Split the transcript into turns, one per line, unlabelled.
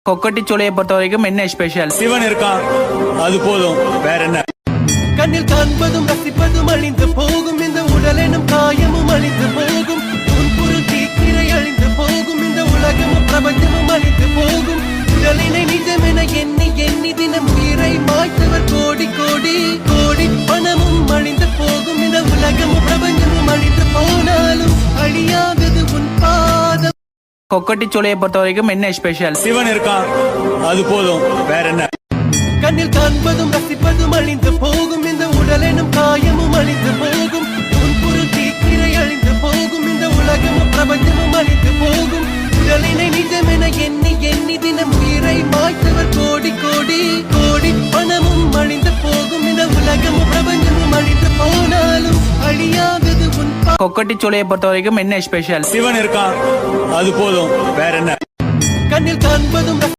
கொக்கட்டிச்சோலையை பொறுத்த வரைக்கும் என்ன ஸ்பெஷல்?
சிவன் இருக்கான், அது போதும், வேற என்ன?
கண்ணில் காண்பதும் ரசிப்பதும் அழிந்து போகும், இந்த உடல் எனும் காயமும் அழிந்து போகும், உன் பொருள் தீக்கிரை அழிந்து போகும், இந்த உலகமும் பிரபஞ்சமும் அழிந்து போகும். உடலினை நிஜமென எண்ணி எண்ணி தினம் உயிரை மாய்த்தவர் கோடி கோடி கோடி. பணமும் அழிந்து போகும், இந்த உலகமும் பிரபஞ்சமும் அழிந்து போனாலும் அழியாதது உன் பாதம்.
கொக்கட்டிச்சோலையை பொறுத்த வரைக்கும் என்ன ஸ்பெஷல்?
சிவன் இருக்கான், அது போதும், வேற என்ன?
கண்ணில் காண்பதும் ரசிப்பதும் அழிந்து போகும், இந்த உடல் எனும் காயமும் அழிந்து போகும், உன் பொருள் தீக்கிரை அழிந்து போகும், இந்த உலகமும் பிரபஞ்சமும் அழிந்து போகும். உடலினை நிஜமென எண்ணி எண்ணி தினம் உயிரை மாய்த்தவர் கோடி கோடி கோடி. பணமும் அழிந்து போகும், இந்த உலகமும் பிரபஞ்சமும் அழிந்து போனாலும் அழியாதது உன்
கொக்கட்டிச்சோலையை பொறுத்த வரைக்கும் என்ன ஸ்பெஷல்?
சிவன் இருக்கான், அது போதும், வேற என்ன?
கண்ணில் காண்பதும்